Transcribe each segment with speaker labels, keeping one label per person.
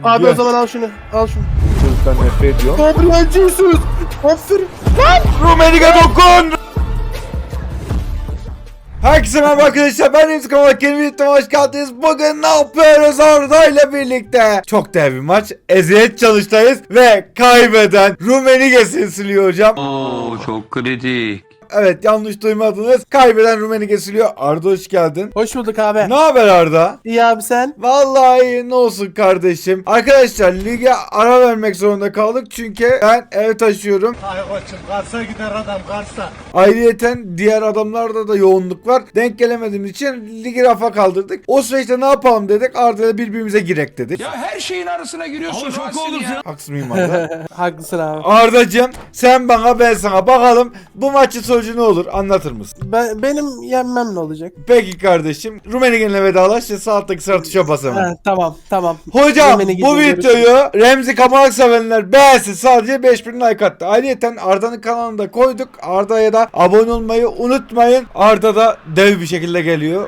Speaker 1: Abi
Speaker 2: Gel.
Speaker 1: o zaman al şunu. Al şunu.
Speaker 2: Çocuktan nefret ediyorum.
Speaker 1: Gabriel Jesus. Aferin.
Speaker 2: Rumenige dokun! Herkese merhaba arkadaşlar, ben Remzi Kamalak, yeni videoma hoş geldiniz. Bugün ne yapıyoruz Arda ile birlikte? Çok değerli bir maç, eziyet çalıştayız ve kaybeden Rumenige siliyor hocam.
Speaker 3: Oo, çok kritik.
Speaker 2: Evet, yanlış duymadınız, kaybeden Rumenige siliyor. Arda hoş geldin.
Speaker 1: Hoş bulduk abi.
Speaker 2: Ne haber Arda?
Speaker 1: İyi abi sen?
Speaker 2: Vallahi ne olsun kardeşim. Arkadaşlar lige ara vermek zorunda kaldık çünkü ben ev taşıyorum.
Speaker 4: Ay koçum Kars'a gider adam Kars'a.
Speaker 2: Ayrıyeten diğer adamlarda da yoğunluk var. Denk gelemediğimiz için ligi rafa kaldırdık. O süreçte ne yapalım dedik. Arda'yla birbirimize girek dedik.
Speaker 3: Ya her şeyin arasına giriyorsun. Şaka olursun ya.
Speaker 2: Haksız mıyım Arda?
Speaker 1: Haklısın abi.
Speaker 2: Arda'cığım sen bana ben sana, bakalım bu maçın sonucu ne olur, anlatır mısın?
Speaker 1: Benim yenmem ne olacak?
Speaker 2: Peki kardeşim, Rumenige'yle vedalaş ve sağ alttaki sarı tuşa bas hemen.
Speaker 1: Ha, tamam.
Speaker 2: Hocam
Speaker 1: Rumenige'yle
Speaker 2: bu
Speaker 1: görüşürüz.
Speaker 2: videoyu Remzi Kamalak sevenler beğensin, sadece 5000 like attı. Ayrıca Arda'nın kanalında koyduk. Arda'ya da abone olmayı unutmayın. Arda da dev bir şekilde geliyor.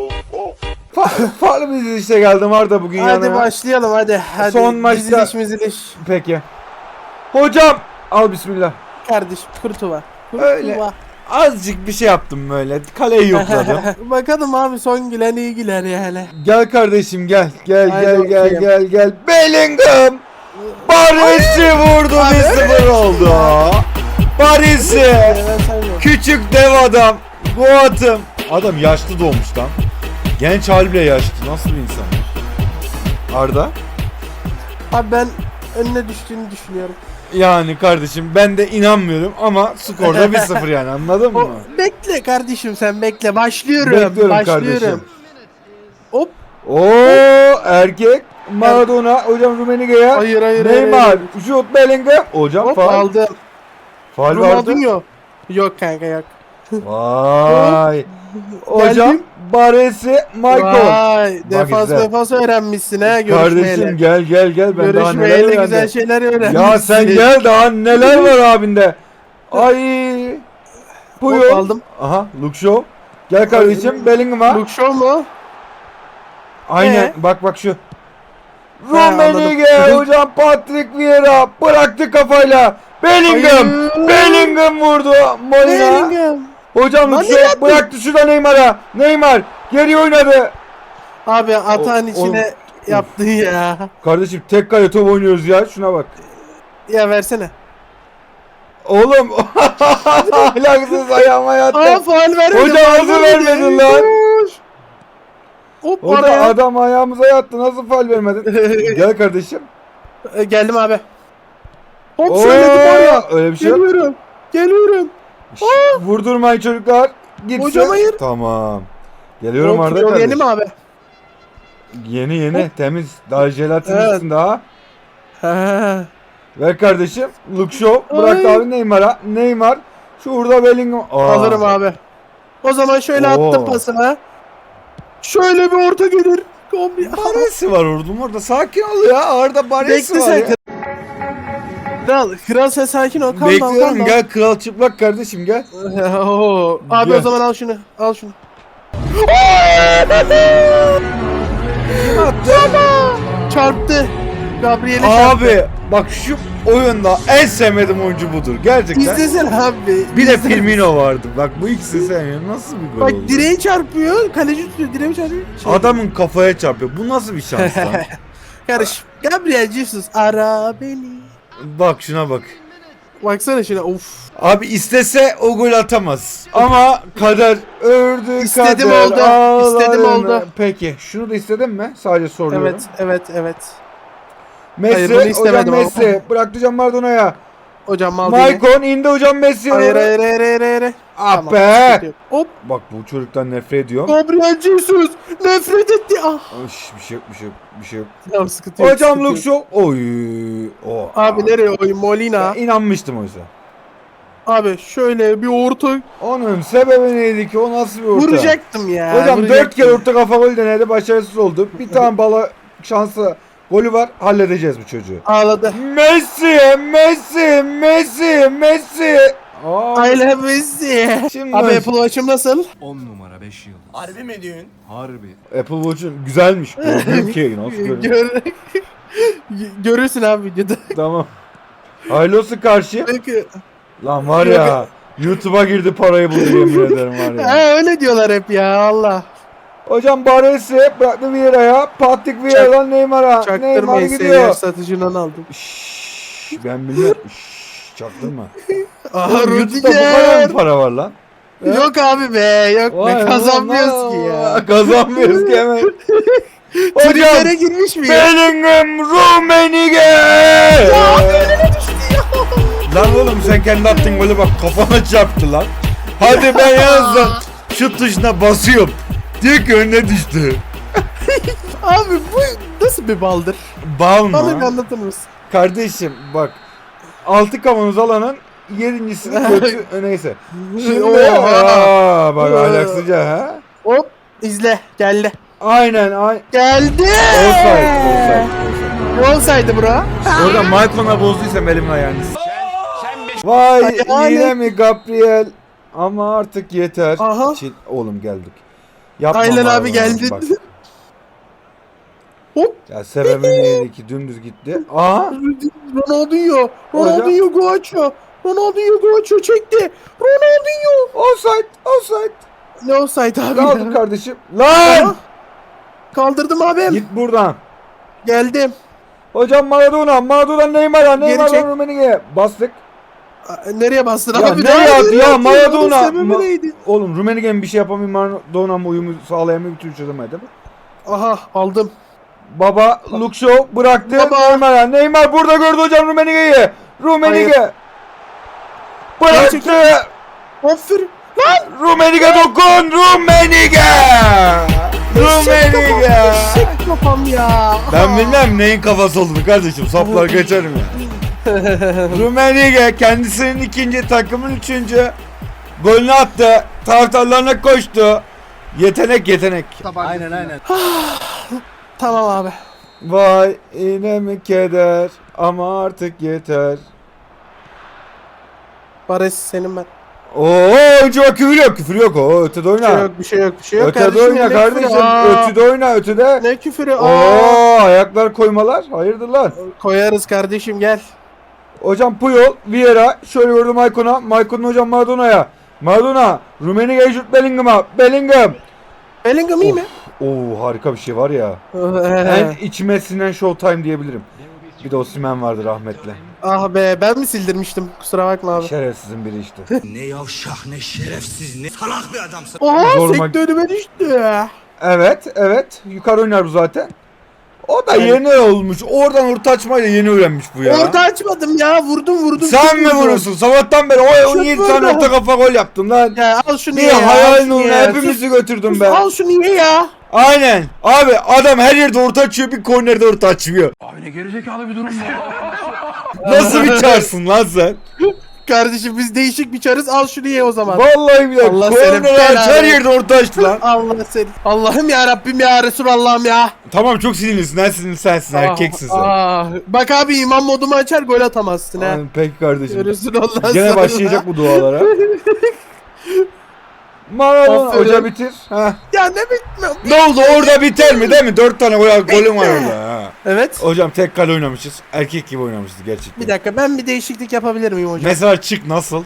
Speaker 2: Farklı bir dizilişte geldim Arda bugün
Speaker 1: Hadi
Speaker 2: yanıma.
Speaker 1: başlayalım hadi.
Speaker 2: Son maçta-
Speaker 1: Diziliş.
Speaker 2: Peki. Hocam al bismillah.
Speaker 1: Kardeşim kurtuva.
Speaker 2: Öyle. Azıcık bir şey yaptım böyle. Kaleyi yokladım.
Speaker 1: Bakalım abi son gülen iyi güler ya hele.
Speaker 2: Gel kardeşim gel.
Speaker 1: Haydi
Speaker 2: Gel. Bellingham. Paris'i vurdu, 1-0 oldu. Paris'i.
Speaker 1: Ben saymıyorum.
Speaker 2: Küçük dev adam. Goat'ım. Adam yaşlı doğmuş lan. Genç hali bile yaşlı. Nasıl bir insan? Arda?
Speaker 1: Abi ben önüne düştüğünü düşünüyorum.
Speaker 2: Yani kardeşim ben de inanmıyorum ama skorda 1-0 yani, anladın mı?
Speaker 1: Bekle kardeşim sen bekle. Başlıyorum.
Speaker 2: Bekliyorum kardeşim.
Speaker 1: Hop.
Speaker 2: Oo erkek. Maradona hocam Rumenige'ye.
Speaker 1: Hayır.
Speaker 2: Neymar. Şut Bellingham. Hocam
Speaker 1: Hop
Speaker 2: faul.
Speaker 1: aldım.
Speaker 2: Faul vardı.
Speaker 1: Ronaldinho. Yok kanka yok.
Speaker 2: Vay. Hocam
Speaker 1: Geldim.
Speaker 2: Baresi Michael.
Speaker 1: Vay.
Speaker 2: izle.
Speaker 1: Defans öğrenmişsin ha
Speaker 2: Kardeşim
Speaker 1: görüşmeyle.
Speaker 2: gel ben daha neler
Speaker 1: Görüşmeyle güzel
Speaker 2: öğrendim.
Speaker 1: şeyler öğrenmişsin.
Speaker 2: Ya sen gel, daha neler var abinde. Ay.
Speaker 1: Hop,
Speaker 2: Buyur.
Speaker 1: aldım.
Speaker 2: Aha Luke Shaw. Gel kardeşim Bellingham'a.
Speaker 1: Luke Shaw mu?
Speaker 2: Aynen bak şu.
Speaker 1: anladım.
Speaker 2: Rummenigge hocam, Patrick Vieira bıraktı kafayla. Bellingham.
Speaker 1: Hayır.
Speaker 2: Bellingham vurdu. Molina.
Speaker 1: Bellingham.
Speaker 2: Hocam
Speaker 1: Lan
Speaker 2: Luke
Speaker 1: ne
Speaker 2: Shaw
Speaker 1: yaptın?
Speaker 2: bıraktı şurada Neymar'a. Neymar geri oynadı.
Speaker 1: Abi atağın
Speaker 2: O-
Speaker 1: içine yaptın ya.
Speaker 2: Kardeşim tek kale top oynuyoruz ya, şuna bak.
Speaker 1: Ya versene.
Speaker 2: Oğlum ahlaksız ayağıma yattı.
Speaker 1: Aa faul vermedin.
Speaker 2: Hocam nasıl vermedin lan?
Speaker 1: Hop
Speaker 2: Hocam
Speaker 1: oraya.
Speaker 2: adam ayağımıza yattı, nasıl faul vermedin? Gel kardeşim.
Speaker 1: Geldim abi. Hop
Speaker 2: Oo,
Speaker 1: söyledim oraya.
Speaker 2: öyle bir şey yok.
Speaker 1: Geliyorum.
Speaker 2: Şşş, vurdurmayın çocuklar. Gitsin.
Speaker 1: Hocam hayır.
Speaker 2: Tamam. Geliyorum
Speaker 1: Hop,
Speaker 2: Arda
Speaker 1: yol
Speaker 2: kardeşim.
Speaker 1: yeni mi abi?
Speaker 2: Yeni temiz. Daha jelatinlisin
Speaker 1: Evet.
Speaker 2: daha.
Speaker 1: Ha.
Speaker 2: Ver kardeşim. Luke Shaw bırak
Speaker 1: Ay.
Speaker 2: abi Neymar'a. Neymar. Şurada Bellingham. Aa.
Speaker 1: Alırım abi. O zaman şöyle
Speaker 2: Oo.
Speaker 1: attım pasına. Şöyle bir orta gelir. Kombi.
Speaker 2: Baresi var orada. Sakin ol ya. Arda Baresi
Speaker 1: Bekle
Speaker 2: var
Speaker 1: sen.
Speaker 2: ya.
Speaker 1: Kral sen sakin ol. Kalma.
Speaker 2: Bekliyorum, gel kral çıplak kardeşim gel.
Speaker 1: Oo. Abi
Speaker 2: Gel.
Speaker 1: o zaman al şunu. Al şunu. Çarptı. Gabriel'e çarptı.
Speaker 2: Abi bak şu oyunda en sevmediğim oyuncu budur. Gerçekten.
Speaker 1: İzlesin abi.
Speaker 2: Bir de
Speaker 1: İzle.
Speaker 2: Firmino vardı. Bak bu ikisi sevmiyorum. Nasıl bir gol
Speaker 1: Bak
Speaker 2: oldu?
Speaker 1: direği çarpıyor. Kaleci tutuyor. Direği çarpıyor.
Speaker 2: Adamın kafaya çarpıyor. Bu nasıl bir şans lan?
Speaker 1: Karış. Gabriel Jesus ara beni.
Speaker 2: Bak şuna bak.
Speaker 1: Baksana şuna. Of.
Speaker 2: Abi istese o gol atamaz. Ama kader ördü
Speaker 1: İstedim
Speaker 2: kader.
Speaker 1: oldu.
Speaker 2: ağlarını.
Speaker 1: İstedim oldu.
Speaker 2: Peki şunu da istedin mi? Sadece soruyorum.
Speaker 1: Evet.
Speaker 2: Messi,
Speaker 1: Hayır, bunu
Speaker 2: hocam
Speaker 1: istemedim ama.
Speaker 2: Messi. Bıraktı hocam Maradona'ya.
Speaker 1: Hocam mal değil.
Speaker 2: Maicon indi hocam Messi'ye.
Speaker 1: Hayır.
Speaker 2: Ah
Speaker 1: Tamam,
Speaker 2: be.
Speaker 1: sıkıntı yok. Hop.
Speaker 2: Bak bu çocuktan nefret ediyorum.
Speaker 1: Gabriel Jesus nefret etti. Ah.
Speaker 2: Bir şey yok.
Speaker 1: Tamam sıkıntı yok.
Speaker 2: Hocam
Speaker 1: sıkıntı
Speaker 2: Luke
Speaker 1: yok.
Speaker 2: Shaw. Oy. O.
Speaker 1: Abi nereye oyun Molina?
Speaker 2: Ben inanmıştım oysa.
Speaker 1: Abi şöyle bir orta
Speaker 2: Onun sebebi neydi ki? O nasıl bir orta?
Speaker 1: vuracaktım ya.
Speaker 2: Hocam 4
Speaker 1: vuracaktım.
Speaker 2: kere orta kafa gol denedi, başarısız oldu. Bir tane bala şansı golü var, halledeceğiz bu çocuğu.
Speaker 1: Ağladı.
Speaker 2: Messi. Aa,
Speaker 1: I love Messi.
Speaker 2: Şimdi
Speaker 1: Abi Apple Watch'ım nasıl?
Speaker 3: 10 numara 5 yıldız.
Speaker 4: Harbi mi diyorsun?
Speaker 3: Harbi.
Speaker 2: Apple Watch'un güzelmiş. Gördüm ki nasıl görünüyor?
Speaker 1: Gör. Görürsün abi videoda.
Speaker 2: Tamam. Hayırlı olsun karşı.
Speaker 1: Peki.
Speaker 2: Lan var ya. YouTube'a girdi parayı buldu yemin ederim var ya.
Speaker 1: He öyle diyorlar hep ya Allah.
Speaker 2: Hocam Baresi bıraktı Vieira'ya. Patrick Vieira'dan Neymar'a. Neymar
Speaker 1: Çaktırmayın
Speaker 2: gidiyor.
Speaker 1: seyyar satıcından aldım.
Speaker 2: Şşş, ben bilmem. Şşş, çaktırma.
Speaker 1: Aha
Speaker 2: Oğlum, YouTube'da bu kadar
Speaker 1: Rudiger.
Speaker 2: mı para var lan?
Speaker 1: Yok abi be yok
Speaker 2: Vay
Speaker 1: be kazanmıyoruz ki
Speaker 2: Allah.
Speaker 1: ya.
Speaker 2: Kazanmıyoruz ki hemen. Hocam
Speaker 1: Triplere girmiş mi ya?
Speaker 2: Bellingham Rummenigge. Lan oğlum sen kendi attığın golü bak kafana çarptı lan. Hadi ben yazdım. Şut tuşuna basıyorum. Diyor ki önüne düştü.
Speaker 1: Abi bu nasıl bir baldır?
Speaker 2: Bal
Speaker 1: Bana bir
Speaker 2: mı?
Speaker 1: anlatır mısın?
Speaker 2: Kardeşim bak. 6 kavanoz alanın 7.sini kötü neyse. Şimdi
Speaker 1: Oha.
Speaker 2: bak ahlaksızca ha.
Speaker 1: Hop izle geldi.
Speaker 2: Aynen.
Speaker 1: Geldi.
Speaker 2: Offside.
Speaker 1: Ne olsaydı bro?
Speaker 2: Orada Malcolm'a bozduysam elimin ayağını. Vay
Speaker 1: Ayağını-
Speaker 2: yine mi Gabriel? Ama artık yeter.
Speaker 1: Aha.
Speaker 2: Oğlum geldik. Yapma
Speaker 1: Aynen
Speaker 2: bari
Speaker 1: abi
Speaker 2: bana,
Speaker 1: geldi.
Speaker 2: bak.
Speaker 1: Hop.
Speaker 2: Ya sebebi neydi ki dümdüz gitti. Aha.
Speaker 1: Ronaldinho. Ronaldinho Guacho. Ronaldinho Guacho çekti. Ronaldinho.
Speaker 2: Offside.
Speaker 1: Ne olsaydı abi?
Speaker 2: Kaldır
Speaker 1: ya?
Speaker 2: kardeşim. Lan!
Speaker 1: Kaldırdım abim.
Speaker 2: Git buradan.
Speaker 1: Geldim.
Speaker 2: Hocam Maradona Neymar'a
Speaker 1: çek.
Speaker 2: Rummenigge'ye bastık.
Speaker 1: Nereye bastın
Speaker 2: Ya
Speaker 1: abi?
Speaker 2: ne yaptı ya
Speaker 1: Onun
Speaker 2: Maradona?
Speaker 1: sebebi neydi?
Speaker 2: Oğlum Rummenigge'nin bir şey yapamıyor Maradona mı uyumu sağlayamıyor bir türlü çözemedi mi?
Speaker 1: Aha aldım.
Speaker 2: Baba Luke Shaw bıraktı
Speaker 1: Baba.
Speaker 2: Neymar'a. Neymar burada gördü hocam Rummenigge'yi. Rummenigge. Bıraktı.
Speaker 1: Aferin.
Speaker 2: Rummenigge dokun. Rummenigge.
Speaker 1: Eşek kafam ya.
Speaker 2: Ben bilmem neyin kafası olduğunu kardeşim. Saplar geçerim ya. Rummenigge kendisinin ikinci takımın üçüncü golünü attı. Taraftarlarına koştu. Yetenek. Aynen.
Speaker 1: Tamam abi.
Speaker 2: Vay yine mi keder ama artık yeter.
Speaker 1: Barış senin ben.
Speaker 2: Oo önce bak küfür yok o ötede
Speaker 1: Bir şey
Speaker 2: oyna.
Speaker 1: yok, bir şey yok, bir şey yok.
Speaker 2: Ötede oyna
Speaker 1: ne
Speaker 2: kardeşim
Speaker 1: küfürü? Aa,
Speaker 2: ötede oyna ötede.
Speaker 1: Ne küfürü? Aa,
Speaker 2: Oo ayaklar koymalar hayırdır lan.
Speaker 1: koyarız kardeşim gel.
Speaker 2: Hocam Puyol, Vieira, şöyle gördüm Maicon hocam Maradona, Rummenigge şut Bellingham.
Speaker 1: Bellingham iyi mi?
Speaker 2: Oo harika bir şey var ya. En içime sinen Showtime diyebilirim. Bir de Osimhen vardı rahmetli.
Speaker 1: Ah be ben mi sildirmiştim? Kusura bakma abi.
Speaker 2: Şerefsizin biri işte.
Speaker 5: Ne yavşak ne şerefsiz ne salak bir adamsın.
Speaker 1: Oha
Speaker 2: Zoruma-
Speaker 1: sekti önüme düştü.
Speaker 2: Evet. Yukarı oynar bu zaten. O da yeni olmuş. Oradan orta açmayla yeni öğrenmiş bu ya.
Speaker 1: Orta açmadım ya vurdum.
Speaker 2: Sen mi
Speaker 1: vurdum.
Speaker 2: vurursun? Sabahtan beri
Speaker 1: Şut
Speaker 2: 17 tane
Speaker 1: vurdum.
Speaker 2: orta kafa gol yaptın lan.
Speaker 1: Ya al şunu
Speaker 2: Niye
Speaker 1: ye ya.
Speaker 2: hayalin
Speaker 1: al şunu
Speaker 2: uğruna
Speaker 1: ye.
Speaker 2: hepimizi götürdün
Speaker 1: Sus,
Speaker 2: be.
Speaker 1: al şunu ye ya.
Speaker 2: Aynen. Abi adam her yerde orta açıyor bir kornerde orta açmıyor.
Speaker 3: Abi ne gerizekalı bir durum bu.
Speaker 2: Nasıl bir çarsın lan sen?
Speaker 1: Kardeşim biz değişik bir çarız al şunu ye o zaman.
Speaker 2: Vallahi billahi
Speaker 1: Allah senin
Speaker 2: korner aç her
Speaker 1: belanı.
Speaker 2: yerde orta açtı lan.
Speaker 1: Allah seni. Allah'ım ya Rabbim ya Resulallah'ım ya.
Speaker 2: Tamam çok sinirlisin. En sinirli sensin. Erkeksin sen.
Speaker 1: Bak abi imam modumu açar gol atamazsın ha.
Speaker 2: Aynen, peki kardeşim.
Speaker 1: Resulallah
Speaker 2: Gene
Speaker 1: sana.
Speaker 2: başlayacak bu dualara. Maradona
Speaker 1: Aferin.
Speaker 2: hoca bitir. Ha.
Speaker 1: Ya ne bitmiyor.
Speaker 2: Ne oldu orada biter mi değil mi? 4 tane golüm var orada. Ha.
Speaker 1: Evet.
Speaker 2: Hocam tek kale oynamışız. Erkek gibi oynamışız gerçekten.
Speaker 1: Bir dakika ben bir değişiklik yapabilir miyim hocam?
Speaker 2: Mesela çık nasıl?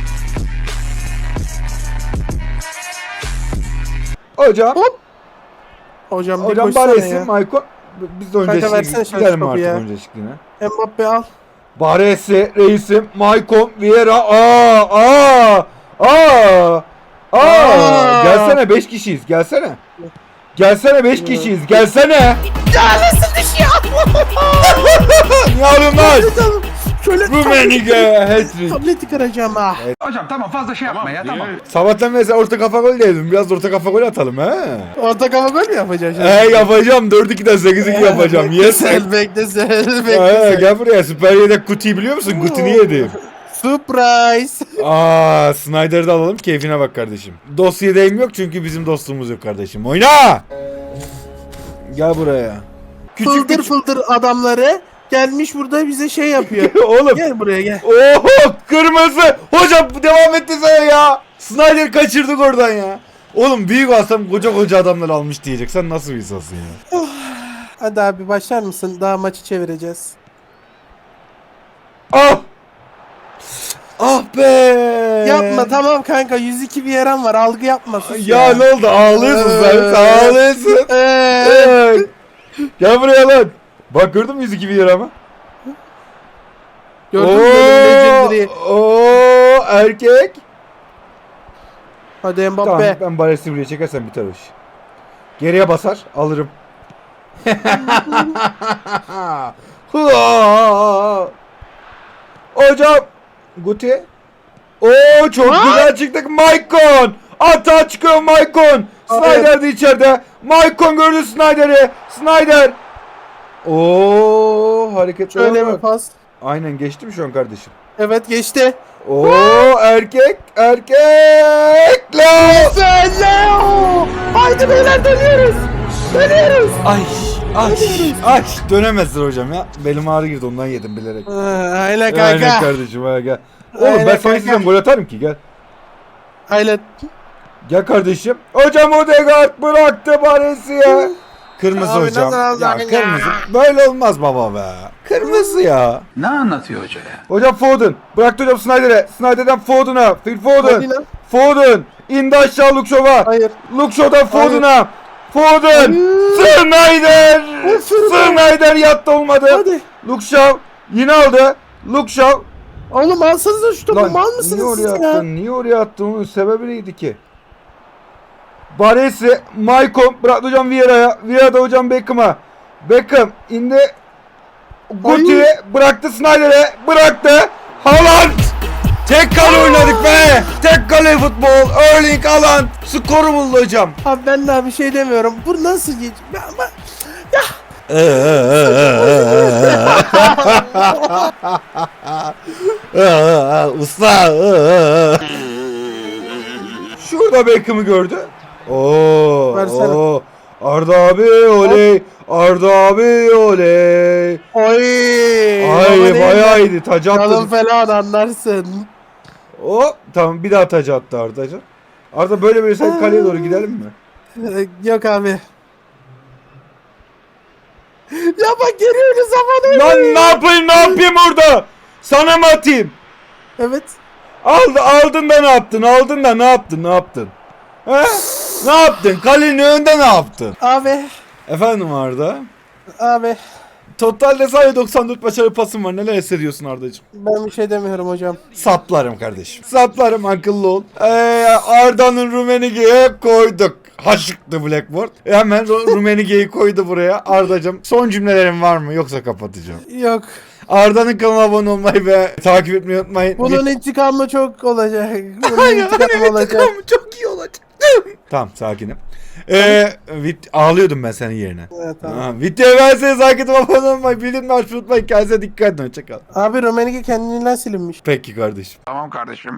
Speaker 2: Hocam.
Speaker 1: Hocam bir
Speaker 2: Hocam
Speaker 1: koşsana
Speaker 2: Baresi,
Speaker 1: ya.
Speaker 2: Maicon. Biz de önce
Speaker 1: Kanka versene
Speaker 2: eşlik gidelim
Speaker 1: topu
Speaker 2: artık
Speaker 1: ya.
Speaker 2: önce eşlikliğine.
Speaker 1: Mbappe al.
Speaker 2: Baresi, reisim, Maicon, Vieira. Aa! Gelsene 5 kişiyiz. Gelsene. Gelsene 5 kişiyiz. Gelsene.
Speaker 1: Ya nasıl düşüyor?
Speaker 2: Ne yapıyorsun lan?
Speaker 1: Şöyle
Speaker 2: Rummenigge hat-trick.
Speaker 1: tableti kıracağım ha.
Speaker 3: Hocam tamam fazla şey yapma ya tamam.
Speaker 2: Sabahtan mesela orta kafa gol dedim. Biraz da orta kafa gol atalım he.
Speaker 1: Orta kafa gol mü yapacaksın şimdi?
Speaker 2: Yapacağım. 4-2'den 8-2 yapacağım. Yes.
Speaker 1: Sen bekle sen bekle.
Speaker 2: Gel buraya. Süper Yedek Kuti'yi biliyor musun? Kuti'ni yedim.
Speaker 1: Surprise.
Speaker 2: Snyder'ı da alalım. Keyfine bak kardeşim. Dost yedeğim yok çünkü bizim dostluğumuz yok kardeşim. Oyna! Gel buraya.
Speaker 1: Fıldır fıldır adamları gelmiş burada bize şey yapıyor.
Speaker 2: Oğlum.
Speaker 1: Gel buraya gel.
Speaker 2: Oho kırmızı. Hocam devam etti sana ya. Snyder kaçırdık oradan ya. Oğlum büyük alsam koca adamlar almış diyecek. Sen nasıl bir insansın ya?
Speaker 1: Hadi abi başlar mısın? Daha maçı çevireceğiz.
Speaker 2: Ah! Ah be!
Speaker 1: Yapma tamam kanka 102 bir yaran var algı yapma sus
Speaker 2: Ya ne oldu? Ağlıyorsun sen. Ağlıyorsun. Evet. Gel buraya lan. Bak gördün mü 102 lira mı?
Speaker 1: Gördün mü benim legendary?
Speaker 2: Oo, erkek.
Speaker 1: Hadi Mbappe.
Speaker 2: Tamam ben Baresi buraya çekersen biter o iş. Geriye basar alırım. Hocam Guti. Oo çok güzel çıktık Maicon. Ata çıkıyor Maicon. Snyder de içeride. Maicon gördü Snyder'i. Snyder. Oo hareketler
Speaker 1: Şöyle bir
Speaker 2: bak.
Speaker 1: pas.
Speaker 2: Aynen geçti mi şu an kardeşim?
Speaker 1: Evet geçti.
Speaker 2: Oo erkek. Lan.
Speaker 1: Leo! Haydi beyler dönüyoruz. Dönüyoruz.
Speaker 2: Ay dönemezsin hocam ya. Belim ağrı girdi ondan yedim bilerek.
Speaker 1: Aynen kanka.
Speaker 2: Aynen kardeşim ha gel. Oğlum
Speaker 1: Aynen
Speaker 2: ben sana
Speaker 1: kanka.
Speaker 2: istesem gol atarım ki gel.
Speaker 1: Aynen.
Speaker 2: Gel kardeşim. Hocam Odegaard bıraktı Baresi'ye. Kırmızı
Speaker 1: Abi
Speaker 2: hocam.
Speaker 1: nasıl
Speaker 2: Ya
Speaker 1: alacaksın
Speaker 2: kırmızı. Böyle olmaz baba be. Kırmızı ya.
Speaker 3: Ne anlatıyor hoca ya?
Speaker 2: Hocam Foden. Bıraktı hocam Snyder'e. Snyder'den Foden'a. Phil Foden.
Speaker 1: Foden.
Speaker 2: Foden. İndi aşağı Luke Shaw'a.
Speaker 1: Hayır.
Speaker 2: Luke Shaw'dan Foden'a. Foden. Snyder. Snyder yattı olmadı.
Speaker 1: Hadi.
Speaker 2: Luke Shaw. Yine aldı. Luke Shaw.
Speaker 1: Oğlum alsanıza şu topu mal
Speaker 2: niye
Speaker 1: mısınız
Speaker 2: oraya
Speaker 1: siz ya?
Speaker 2: attın? Niye oraya attın? Onun sebebi neydi ki? Baresi, Maicon bıraktı hocam Vieira'ya. Vieira da hocam Beckham'a. Beckham indi. Guti bıraktı Snyder'e. Bıraktı. Haaland. Tek kale oynadık be. Tek kale futbol. Erling Haaland. Skoru buldu hocam.
Speaker 1: Abi ben daha bir şey demiyorum. Bu nasıl geç? Ya.
Speaker 2: Usta. Şurada Beckham'ı gördü. Oo.
Speaker 1: Versene.
Speaker 2: Oo. Arda abi oley. Arda abi oley.
Speaker 1: Oy.
Speaker 2: Ay bayağı iyiydi. Taca
Speaker 1: Yalın
Speaker 2: attı.
Speaker 1: falan anlarsın.
Speaker 2: Hop tamam bir daha taca attı Arda'cığım. Arda böyle sen kaleye doğru gidelim mi?
Speaker 1: Yok abi. Ya bak geliyoruz zaman
Speaker 2: Lan ne yapayım orada? Sana mı atayım?
Speaker 1: Evet.
Speaker 2: Aldın da ne yaptın? Aldın da ne yaptın? He? Ne yaptın? Kalenin önünde ne yaptın?
Speaker 1: Abi.
Speaker 2: Efendim Arda?
Speaker 1: Abi.
Speaker 2: Totalde sadece 94 başarılı pasım var. Neler hissediyorsun Arda'cığım?
Speaker 1: Ben bir şey demiyorum hocam.
Speaker 2: Saplarım kardeşim. Saplarım akıllı ol. Arda'nın Rummenigge'yi hep koyduk. Haşıktı Blackboard. Hemen Rummenigge'yi koydu buraya. Arda'cığım son cümlelerin var mı? Yoksa kapatacağım.
Speaker 1: Yok.
Speaker 2: Arda'nın kanalına abone olmayı ve takip etmeyi unutmayın.
Speaker 1: Bunun intikamı çok olacak. Bunun intikamı olacak.
Speaker 2: Çok iyi olacak. Tamam sakinim. Ağlıyordum ben senin yerine.
Speaker 1: Evet, tamam.
Speaker 2: Videoyu verseniz takip edin abone olmayı. Bildirimleri açmayı unutmayın. Kendinize dikkat edin. Hoşçakalın.
Speaker 1: Abi Rummenigge kendinden silinmiş.
Speaker 2: Peki kardeşim.
Speaker 3: Tamam kardeşim.